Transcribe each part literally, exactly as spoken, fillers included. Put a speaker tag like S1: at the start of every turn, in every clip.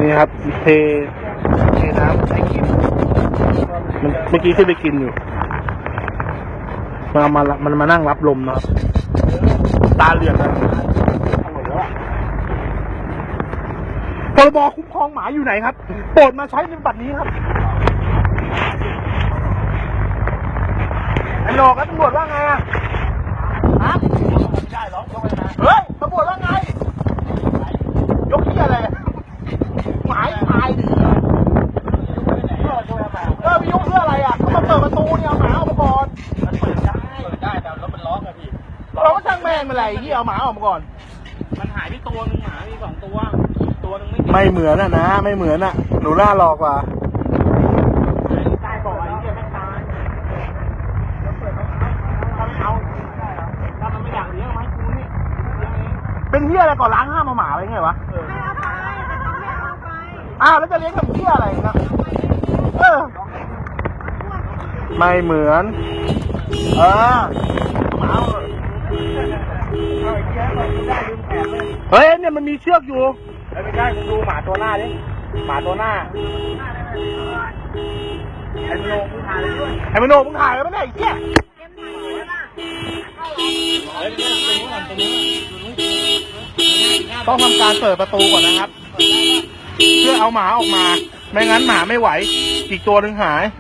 S1: นี่ครับเทเทน้ำให้กินเมื่อกี้ที่ไปกินอยู่มามามันมานั่งรับลมนะครับตาเหลือกเลยพรบคุ้มครองหมาอยู่ไหนครับโปรดมาใช้ในบัตรนี้ครับไอ้โหนกแล้วตำรวจว่าไงอะฮะไม่ได้หรอกยกไปนะเฮ้ยตำรวจว่าไงยกที่อะไรหมายตายดิเออพี่ยกเพื่ออะไรอ่ะเขามาเปิดประตูเนี่ยเอาหมาออกมาก่อนมันเปิดได้เปิดได้แต่รถมันล็อกอะพี่เราก็ช่างแม่งมาอะไรที่เอาหมาออกมาก่อน
S2: มันหายไปตัวนึงหมามีสองตัวตัวนึงไม่
S1: ไม่เหมือนอ่ะนะไม่เหมือนอ่ะหนูน่าหลอกว่ะ
S2: ตายบ่อยเดี๋ยวไม่ตายถ้าไม่เอาถ้ามันไม่อยากเลี้ยงไหมกูนี่เลี้ยงเอง
S1: เป็นเหี้ยอะไรก่อนล้างห้ามเอาหมาไว้ไงวะ
S3: ไม่เอาไปแต่ต้องไม่เอาไป
S1: อ้าวแล้วจะเลี้ยงกับเหี้ยอะไรนะเออไม่เหมือนเออหมาเฮ้ยเนี่ยมันมีเชือกอยู่
S2: ไม่ใช่มึงดูหมาตัวหน้าดิหมาตัวหน้าไอ้มโนมึงถ่ายเลยด้วย
S1: ไอ้มโนมึงถ่ายไว้ไม่ได้ไอ้เหี้ยต้องทำการเปิดประตูก่อนนะครับเพื่อเอาหมาออกมาไม่งั้นหมาไม่ไหวอีกตัวหนึ่งหาย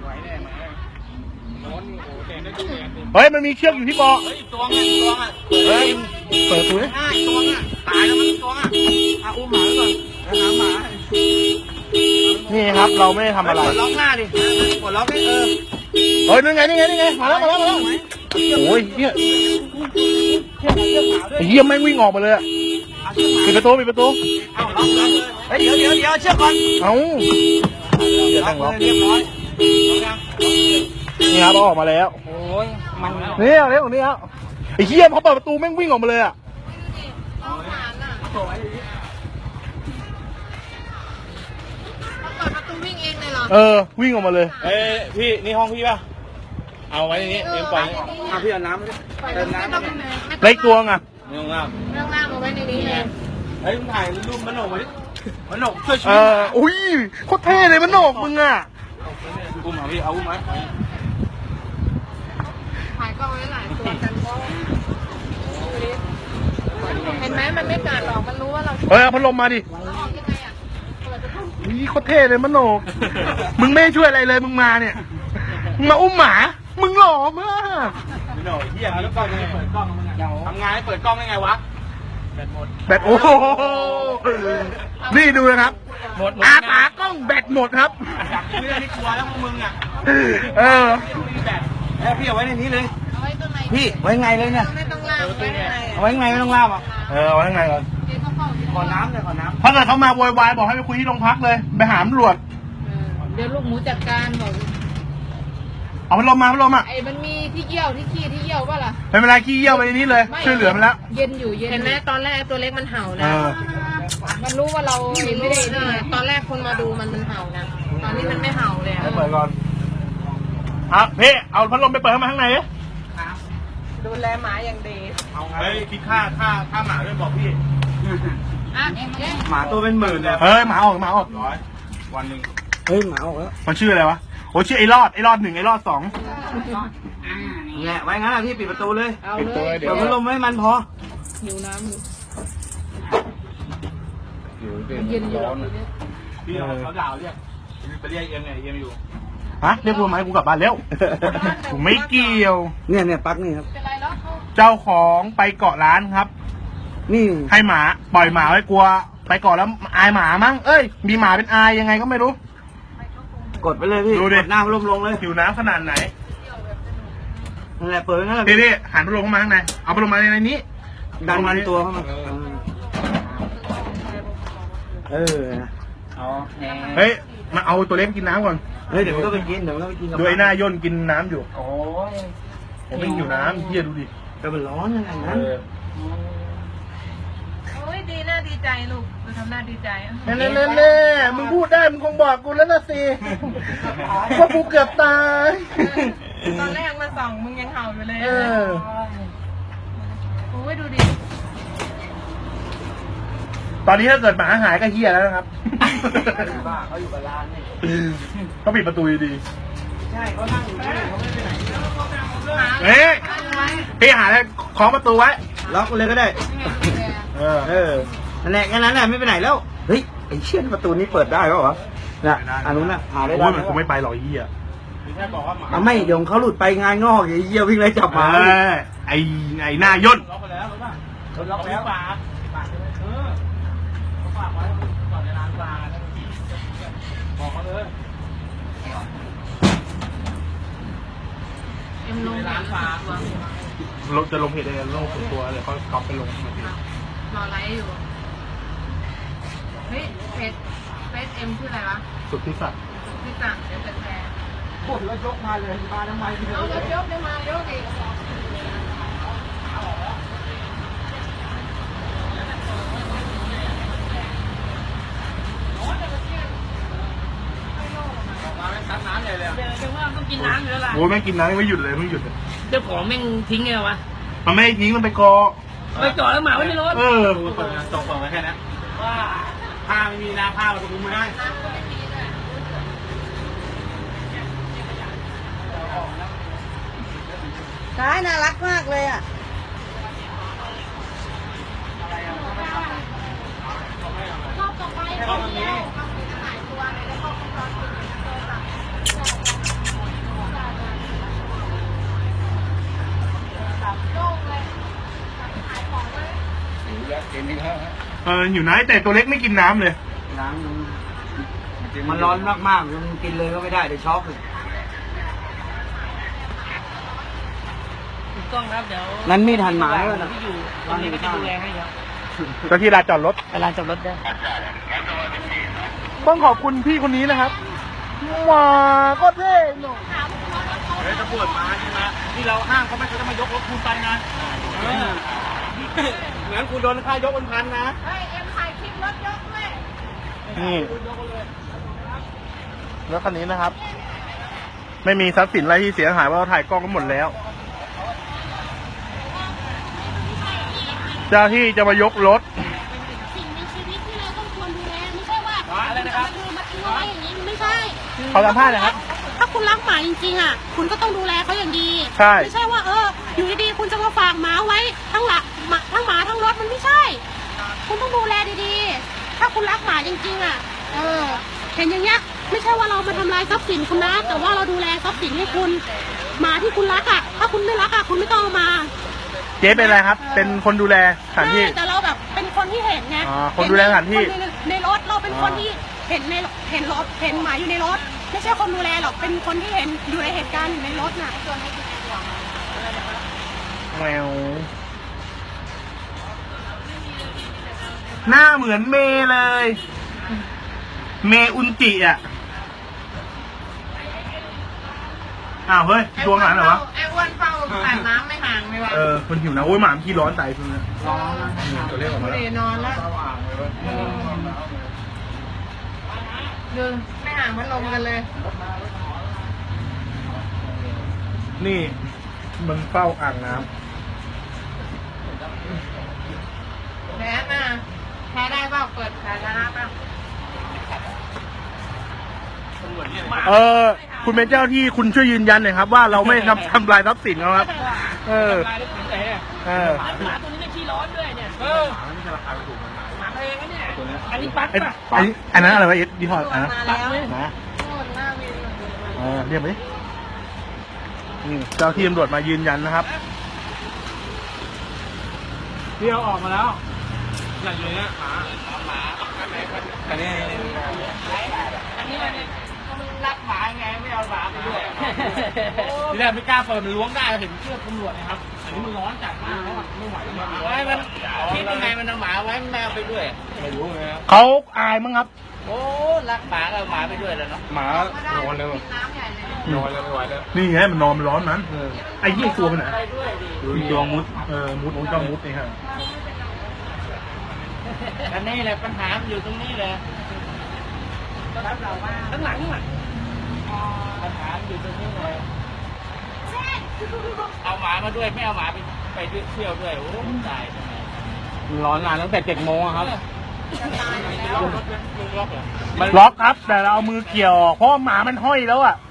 S1: เฮ้ยมันมีเชือกอยู่ที่บ่อ
S2: เฮ้ยตัวไงตัวอ่ะ
S1: เฮ้ยเปิดประตูดิ
S2: ตัวอ่ะตายแล้วมันตัวอ่ะอาอุ้มหมาก่อนแล้วหาหมา
S1: นี่ครับเราไม่ได้ทำอะไร
S2: กดล็อกหน้าดิกดล็อกให้เออ
S1: เฮ้ยนี่ไงนี่ไงนี่ไงมาแล้วมาแล้วมาแล้วโอ้ยเฮียเฮียไม่วิ่งออกมาเลยปิดประตูปิดประตู
S2: เอาล็อกเลยเฮ้ยเดี๋ยวเดี๋ยวเดี๋ยวเชือกก่อน
S1: เอ้า
S2: เดี๋ยวตั้งล็อกเรียบร้อย
S1: นี่ครับออกมาแล้ว
S2: โอ้ยมัน
S1: นี่เอาเร็วนี่ครับไอ้เฮียพอเปิดประตูแม่งวิ่งออกมาเลยอ่ะ
S3: เปิดประตูวิ่งเองเลยเหรอ
S1: เออวิ่งออกมาเลย
S2: เอ้พี่นี่ห้องพี่ป่ะเอาไว้ในนี้เอ็มปล่อยเอาพี่เอาน้ำเติมน้ำ
S1: เล็กตัวไง
S2: ไม่ต้องล่าง
S3: ไม่ต้องล่างเอาไว้ในนี้เอง
S2: เฮ้ยมึงถ่ายรูปมันโหนกไว้ดิมันโหนกช่วยชีวิต
S1: เอออุ้ยโคตรเท่เลยมันโหนกมึงอ่ะ
S2: อุ้มเอาพี่เอาอุ้มไหม
S3: ถ่ายกล้องไว้หลายตัวกันก็เห็นไหมมันไม่กัดหรอกมันรู้ว่าเรา
S1: เฮ้ยเอาพัดลมมาดินี่โคตรเท่เลยมันโหนกมึงไม่ช่วยอะไรเลยมึงมาเนี่ยมึงมาอุ้มหมามึงหล่อมาก
S2: ไม่หน่อยเฮียแล้วกล้องยังไงเปิดกล้องมันทำงานให้เปิดกล้องได้ไงวะแบตหมด
S1: แบตโอ้โหนี่ดูนะครับอาตากล้องแบตหมดครับ
S2: ไม่ได้ที่กลัวแล้วพวกมึงอ่ะ
S1: เออ
S2: แบตเอ้พี่เอาไว้ในนี้เลย
S3: เอาไว้ตรงไหน
S2: พี่ไว้ไงเลยเนี่ย
S3: ไม่ต้องล่างไว้ไง
S2: เอาไว้ไงไม่ต้องล่ามอ่ะ
S1: เออเอาไว้ไงก่อน
S2: ขอน้ำเลยขอน้ำ
S1: ถ้าเกิดเขามาโวยวายบอกให้ไปคุยที่โรงพักเลยไปหาตำรวจ
S3: เดี๋ยวลูกหมูจัดการบอก
S1: เอาพัดลมมาพัดลมอ่ะ
S3: ไอ้มันมีที่เยี่ยวที่ขี้ที่เยี่ยวป่ะล่ะ
S1: ไม่เป็นไรขี้เยี่ยวไปนี้เลยช่วยเหลือมันแล้ว
S3: เย็นอยู่เย็นเห็นไหมตอนแรกตัวเล็กมันเห่านะมันรู้ว่าเราไม่ได้นี่ตอนแรกคนมาดูมันมันเห่านะตอนนี้มันไม่เห่าเลย
S1: เปิดก่อนอ่ะพี่เอาพัดลมไปเปิดเข้ามาข้างใน
S3: ดูแลหมาอย่างดี
S2: เอาไงคิดค่าค่าค่าหมาด้วยบอกพี่หมาตัวเป็นหมื่นเลย
S1: เฮ้ยหมาออกหมาออก
S2: ร้อยวันหนึ่ง
S1: เฮ้ยหมาออกแล้วมันชื่ออะไรวะโอ้ชื่อไอ้รอดไอ้รอดหนึ่งไอ้รอดสอง
S2: เนี่ยไว้งั้นอะพี่ปิดประตูเลย
S3: เอาเลย
S2: เดี๋ยวพัดลมให้มันพอ
S3: หิวน้ำอยู่
S2: เย็นร้อนพี่เขาด่าเรียกไปเรียกเอ็มเนี่ยเอ็มอยู่
S1: ฮะเรียกกูไหมกูกลับบ้านแล้วกูไม่เกี่ยว
S2: เนี่ยเนี่ยปักนี่ครับ
S1: เจ้าของไปเกาะร้านครับ
S2: นี่
S1: ให้หมาปล่อยหมาไว้กลัวไปเกาะแล้วอายหมามั้งเอ้ยมีหมาเป็นอายยังไงก็ไม่รู้
S2: กดไปเลยพี่
S1: ดูดิ
S2: น้ำลมลงเลย
S1: หิวน้ำขนาดไหน
S2: นั่นแหละเปิดนั่นแหละ
S1: พี่พี่หันพัดลมเข้ามาข้างในเอาพัดลมมาในนี้
S2: ดันมาตัวเข้ามาเออ
S1: อ๋อเฮ้ยมาเอาตัวเล็กกินน้ำก่อน
S2: เฮ้ยเดี๋ยวมันก็ไปกินเดี๋ยวมันก็ไปกิน
S1: โดยหน้าย่นกินน้ำอยู่
S2: โอ้ย
S1: ผมไม่หิวน้ำเฮียดูดิ
S2: แต่มันร้อนยังไงนั้น
S3: โอ้ยดีน่าดีใจลูกดูทำหน้าดีใจ
S1: เน่เน่เน่เน่มึงพูดได้มึงคงบอกกูแล้วนะสิว่ากูเกือบตาย
S3: ตอนแรกมาส่องมึงยังเห่าอยู่เลยโอ้ยดูดิ
S1: ตอนนี้ถ้าเกิดหมาหายก็เฮียแล้วนะครับ
S2: บ้าเขาอยู่กับร้านนี่
S1: เขาปิดประตูดี
S2: ใช่เขานั่งอยู่ที่นี่เขาไม่ไปไหน
S1: ๆเอ๊ะพี่หาอะไรคล้องประตูไว้
S2: ล็อกเลยก็ได้
S1: เออ
S2: เออนั่นแหละแค่นั้นแหละไม่ไปไหนแล้วเฮ้ยไอ้เชี่ยประตูนี้เปิดได้ป่าวะน่ะอันนู้นน่ะหาได้
S1: โอ้
S2: ได้
S1: ยมันคงไม่ไปหรอกไอ้เหี้ย
S2: อ่ะไม่เดี๋ยวเขาหลุดไปงานงอกไอ้เหี้ยวิ่งไล่จับหมา
S1: เออไอ้ไอ้หน้าย่น
S2: ล็อกไปแล้วรู้ป่ะล็อกแล้วฝากฝากเลยเออฝากไว้ก่อนจะล้างปลาบอกเขาเลย
S3: เอ็มลงร้านฝาก
S1: ลงจะลงเพจอะไรลงส่วนตัวเดี๋ยวเขาก๊อปไปลงมาที
S3: รอไลฟ์อยู่เฮ้ยเฟซเฟซเอ็มชื่ออะไรวะ
S1: สุดที่สัตว์
S3: พี่สั่งเดี๋ยวจะแชร์
S2: ปวดแล้วยกมาเลยมาทำไมพี่
S3: เอารถยกได้มายกอีก
S2: มาไม่ซัดน้ำใหญ่เลย
S4: เดี๋ยวว่าต้องกินน้ำอยู่แล้วล่ะ
S1: โอ้ยแม่งกินน้ำไม่หยุดเลยไม่หยุดเลย
S4: เจ้าของแม่งทิ้งไงวะ
S1: มันไม่ทิ้งมันไปกอ
S4: ไปจอดแล้วหมาไว้ในรถ
S1: เออ
S2: เปิดจบเปิดไว้แค่นี้
S4: ว่า
S2: ผ้าไม่มีนะผ้าเราคุมไม่ได้
S5: ร้ายน่ารักมากเลยอ่ะ
S1: เอออยู่ไหนแต่ตัวเล็กไม่กินน้ำเลย
S2: น้ำมันร้อนมากๆมันกินเลยก็ไม่ได้เดี๋ยวช็อกเลย
S4: ถูกต้องครับเดี๋ยว
S2: งั้นมีดหั่นหมาด้วยนะ
S4: ที่อยู่ตอนนี้ก็จะดูแลให้ครับ
S1: เจ้าที่ลานจอดรถ
S4: ไปลานจอดรถได้
S1: ต้องขอบคุณพี่คนนี้นะครับมาก็เท่หนุ่ม
S2: เฮ้ยจะปวดมาใช่ไหมที่เราห้างเขาไม่เขาจะมายกรถคุณไปนะเออเหมือนคุณโดนค่ายกเป็นพันนะ
S3: เฮ้ยเอ็มถ่ายคลิปรถยกด้วย
S1: นี่รถคันนี้นะครับ ไม่มีทรัพย์สินอะไรที่เสียหายเพราะเราถ่ายกล้องกันหมดแล้ว เจ้าที่จะมายกรถ
S6: สิ่งในชีวิตที่เราต้องควรดูแลไม่ใช่ว่าคุณจะมาดูมาทิ้งเอาไว้อย่างนี้มันไม่ใช่
S1: ขอสัมภาษณ์หน่อยครับ
S6: ถ้าคุณรักหมาจริงๆอ่ะ คุณก็ต้องดูแลเขาอย่างดี
S1: ใช่
S6: ไม่ใช่ว่าเออ อยู่ดีๆคุณจะมาฝากหมาไว้ทั้งหลักหมาทั้งหมาทั้งรถมันไม่ใช่ คุณต้องดูแลดีๆ ถ้าคุณรักหมาจริงๆอ่ะ เออ เห็นอย่างเงี้ยไม่ใช่ว่าเรามาทำลายทรัพย์สินคุณนะ แต่ว่าเราดูแลทรัพย์สินให้คุณ หมาที่คุณรักอ่ะ ถ้าคุณไม่รักอ่ะคุณไม่ต้องเอามา
S1: เจ๊เป็นอะไรครับ เป็นคนดูแลสถานที่
S6: ใช่แต่เราแบบเป็นคนที่เห็นไง
S1: อ๋อคนดูแลสถานที่
S6: เห็นในในรถเราเป็นคนที่เห็นในเห็นรถเห็นหมาอยู่ในรถ ไม่ใช่คนดูแลหรอกเป็นคนที่เห็นอยู่ในเหตุการณ์อยู่ในรถน่ะ
S1: แมวหน้าเหมือนเมย์เลย เมอุนจิอ่ะ อ้าวเฮ้ยดวงหลานเหรอวะ
S3: ไอ้อ้วนเฝ้าอาบน้ำไม่ห่างเลยวะ
S1: เออมันหิวนะโอ้ยหมามันขี้ร้อนใจคุณนะ
S2: ร้อนนะ
S1: ตัวเล็กออกมา
S3: ไม่
S1: แล้ว
S3: ได้นอนแล้ว
S2: เข้าอ่างเลยเว้ย
S3: ดูไม่ห่างพัดลมกันเลย
S1: นี่ มันเฝ้าอ่างน้
S3: แพ้มาแพ้ได้เปล่าเปิดสาธารณะเปล่า
S1: ำเออ คุณเป็นเจ้าที่คุณช่วยยืนยันหน่อยครับ ว่าเราไม่ทำทำลายทรัพย์สินเขาครับ เออ
S4: ลายรถถึงไหนเนี่ย
S1: เออ
S4: หมาตัวนี้เนี่ยขี้ร้อนด้วยเนี่ยเออหมาแพงนะเนี่ยอันนี้ปัก
S1: ไอ้
S4: ป่ะ
S1: อันนี้อันนั้นอะไรวะเอ็ดยี่ห้ออันนั้น
S4: ปักเลย
S1: นะ
S3: โน่นหน้าวิน
S1: เออเรียกไปดินี่เจ้าที่ตำรวจมายืนยันนะครับ
S2: พี่เอาออกมาแล้วอยากอยู่เนี่ยหมาหมาอันนี้
S4: อันนี้มันเนี่ย
S2: รักหมาไงไม่เอาหมาไปด้วยทีแรกไม่กล้าเปิดมันล้วงได้เห็นเชือกตำรวจนะครับอันนี้มันร้อนจัดมากแล้วอะไม่ไหวแล้วไว้มันคิดยังไงมันเอาหมาไว้แมวไปด้วยไม่รู้เลยครับ
S1: เขาอายมั้งครับ
S2: โอ้รักหมาก็เอาหมาไปด้วยแล้วเนาะหมานอนเลย
S3: น้ำใหญ่เลย
S2: นอนแล้วไม่ไหวแล้ว
S1: นี่ไงมันนอนมันร้อนนั้นไอ้ยี่ตัวมันไหน
S2: ไปด้วยดิ
S1: มีตัวมุด เออ มุดมุดก็มุดนี่ครับ
S2: อันนี้แหละปัญหามันอยู่ตรงนี้แหละ
S4: ข้างหลังอ่ะ
S2: ปัญหาอยู่ตรงนี้เลยเอาหมามาด้วยไม่เอาหมาไปไปด้วยเที่ยวด้วยโอ้ตายทำไมร้อนนานตั้งแต่เจ็ดโมงครับ
S1: ล็อกครับ แต่เราเอามือเกี่ยวออกเพราะว่าหมามันห้อยแล้วอ่ะ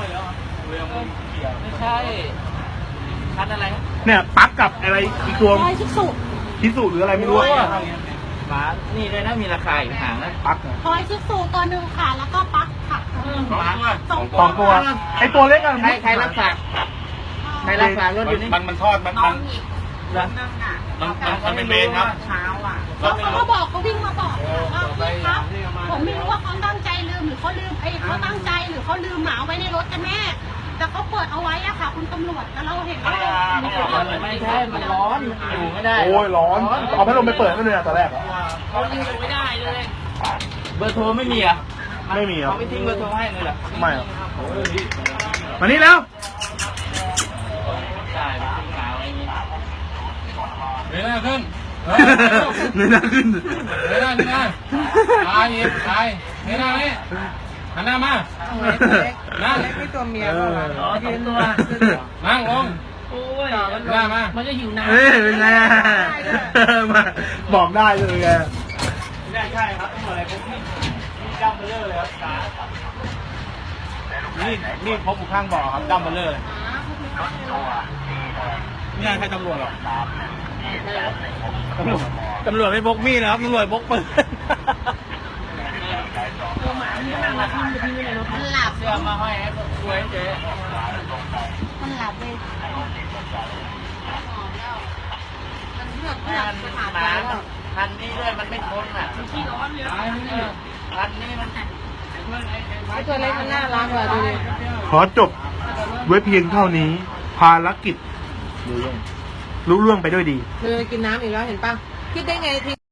S2: ไม่ใช่คันอะไร
S1: เนี่ยปลั๊กกับอะไรอีกตัว
S6: รอยชิสุ
S1: พิสูจน์หรืออะไรไม่รู้อะ
S2: หมานี่เลยนะมีราคาอยู่ห่างนะ
S1: ปลั๊ก
S6: รอยชิสุตัวหนึ่งค่ะ แล้วก็ปลั๊กค่ะ
S2: หมา
S6: สอง
S1: สองตัวไอตัวเล็กอะ
S2: ใครใครรับฝากใครรับฝากรถอยู่นี่
S1: มันมันทอดมันมัน
S2: มันมันมันเป็นเวรครับ
S6: เขาเขาก็บอกเขาวิ่งมาบอกว่าพี่ครับ ผมไม่รู้ว่าเขาตั้งใจลืมหรือเขาลืมไอ้เขาตั้งใจหรือเขาลืมหมาไว้ในรถกันแน่แต่เขาเปิดเอาไว้อะค่ะ คุณตำรวจแต่เราเห็นว่า
S2: ไม่ใช่มันร้อนอยู่ไม่ได้
S1: โอ้ยร้อน เอาพัดลมไปเปิดให้เลยอะตอนแรกอะ
S4: เขายิงอยู่ไม่ได้เลย
S2: เบอร์โทรไม่มีอ่ะ
S1: ไม่มีครับ
S2: เขาไม่ทิ้งเบอร์โทรให้เลยเหรอ
S1: ไม่ครับมานี่แล้ว
S2: ใช่ไม่ทิ้งหมาไว้อย่างงี้
S7: เงยหน้าขึ้น
S1: เงยหน้าขึ้น
S7: เงยหน้าเงยหน้าตายอีกตายเงยหน้านี่หันหน้ามา นั่ง
S5: ไม่ตัวเมียก็ละ
S2: อ๋อสองตัว
S7: นั่งลง
S2: โอ้ย
S7: หน้ามา
S4: มันจะหิวน้ำ
S1: เฮ้ยเป็นไงอะมาบอกได้เลยไง
S2: ใช่ใช่ครับต้องอะไรผมนี่ดัมเบลเลอร์เลยครับขานี่นี่พบอยู่ข้างบ่อครับดัมเบลเลอร์เลยนี่ใครตำรวจหรอตำรวจตำรวจไม่พกมีดนะครับตำรวจพกปืน
S3: มันหลับ
S2: เสื้อมาห้อยให้สวยเจ๊
S3: มันหลับเลยมันเลือกเลือก
S2: มัน
S3: ส
S2: ห
S3: ถาน
S2: มา
S3: การณ์แล้ว
S2: พันนี้ด้วยมันไม่ทนอ่ะ
S4: ขี้ร้อนเลย
S2: พันนี้มัน
S3: ไอ้ตัวเล็กมันน่ารักว่ะดูดิ
S1: ขอจบไว้เพียงเท่านี้ ภารกิจรู้เรื่องรู้เรื่องไปด้วยดี
S3: เธอกินน้ำอีกแล้วเห็นป่ะคิดได้ไงที